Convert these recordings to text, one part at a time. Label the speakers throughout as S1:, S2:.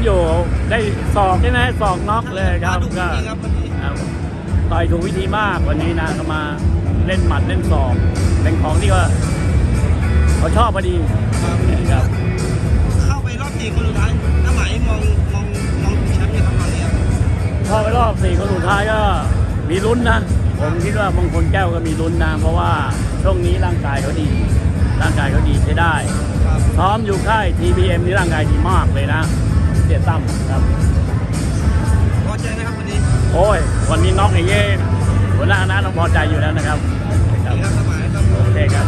S1: อยู่ได้ศอกใช่ไหมศอกน็อกเลยครับก็ต่อยถูกวิธีมากวันนี้นะก็มาเล่นหมัดเล่นศอกเป็นของที่ว่าเขาชอบพอดีครับ
S2: เข้าไปรอบ4 คนสุดท้ายน้าหมายมองแชมป์ยังทำมาเนี่ย
S1: เข้าไปรอบ4 คนสุดท้ายก็มีลุ้นนะผมคิดว่ามงคลแก้วก็มีลุ้นนะเพราะว่าช่วงนี้ร่างกายเขาดีใช้ได้ซ้อมอยู่ค่าย TPM นี่ร่างกายดีมากเลยนะเสียตั้มครับ
S2: พอใจไหมครับวันนี้
S1: โอ้ยวันนี้น็อกอย่างเงี้ยหัวหน้าคณะต้องพอใจอยู่แล้วนะครับโอเคครับ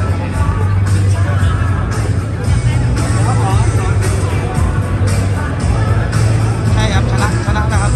S2: ใช่ครับชนะนะครับ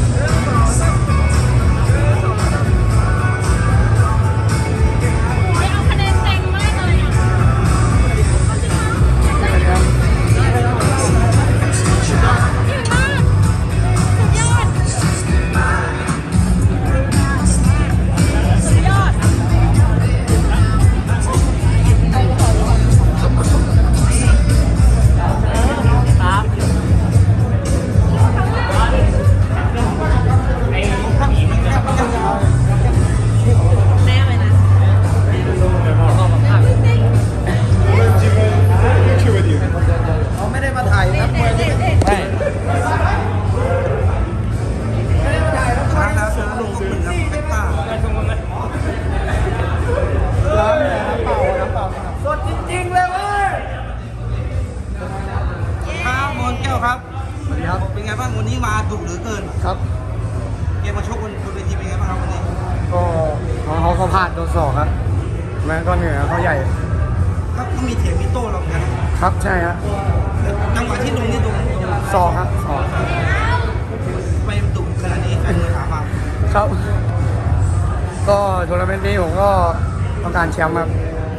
S2: ครับสวัสดีครับเป็นไงบ้างวันนี้มาดุเหลือเกิน
S3: ครับ
S2: เกมมาชกบนเวทีเป็นไงบ้างครับวันนี้
S3: ก็เขาพลาดโดนศอกครับแม้ก็เหนือเขาใหญ่
S2: ครับก็มีเถียงมีโต้เราเหมือนกัน
S3: ครับใช่ครับ
S2: จังหวะที่ลงนี่โดน
S3: ศอกครับศอก
S2: ไปดุขนาดนี้ใครมือถามมา
S3: ครับก็ทัวร์นาเมนต์นี้ผมก็ต้องการแชมป์ครับ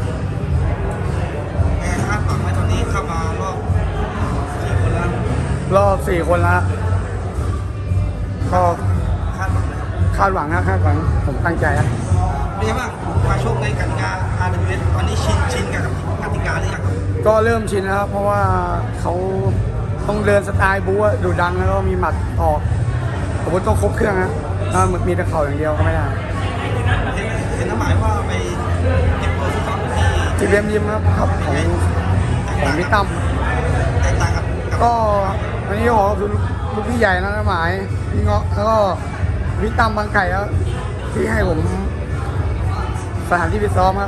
S2: คาดหวังไหมตอนนี้เข้ามารอบ4 คนแล้ว
S3: รอบ4 คนแล้วก็
S2: คาดหวังนะครับ
S3: คาดหวังผมตั้งใจครับ
S2: เป็นไงบ้างมาโชคในกติกา RWS ตอนนี้ชินกับกติกาหรือยัง
S3: ก็เริ่มชินแล้วครับเพราะว่าเขาต้องเดินสไตล์บู๊ดุดันแล้วก็มีหมัดออกอาวุธต้องครบเครื่องนะมีแต่เข่าอย่างเดียวก็ไม่ได้
S2: เห็นน้ำหมายว่าไปเก็บตัวซ้อม
S3: ที่เรียมยิ้มครับของพี่ตั้ม
S2: แตกต่างกับ
S3: ก็วันนี้ขอคือลูกพี่ใหญ่นะหมายพี่เงาะแล้วก็พี่ตั้มบางไก่แล้วที่ให้ผมสถานที่ไปซ้อมครับ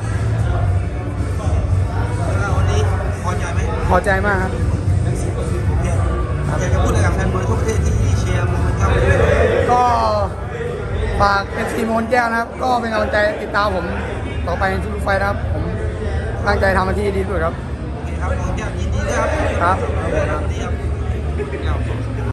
S2: วันนี้พอใจไหม
S3: พอใจมากครับ
S2: อยากจะพูดอะไรกับแฟนมวยทุกประเทศที่เชียร์มวยครับ
S3: ก็ฝากFC มนแก้วนะครับก็เป็นกำลังใจติดตามผมต่อไปในทุกไฟนะครับผมตั้งใจทำหน้าที่ดีที่สุดครับ
S2: ครับมนแก้วยินดีด้วยครับ
S3: ครับ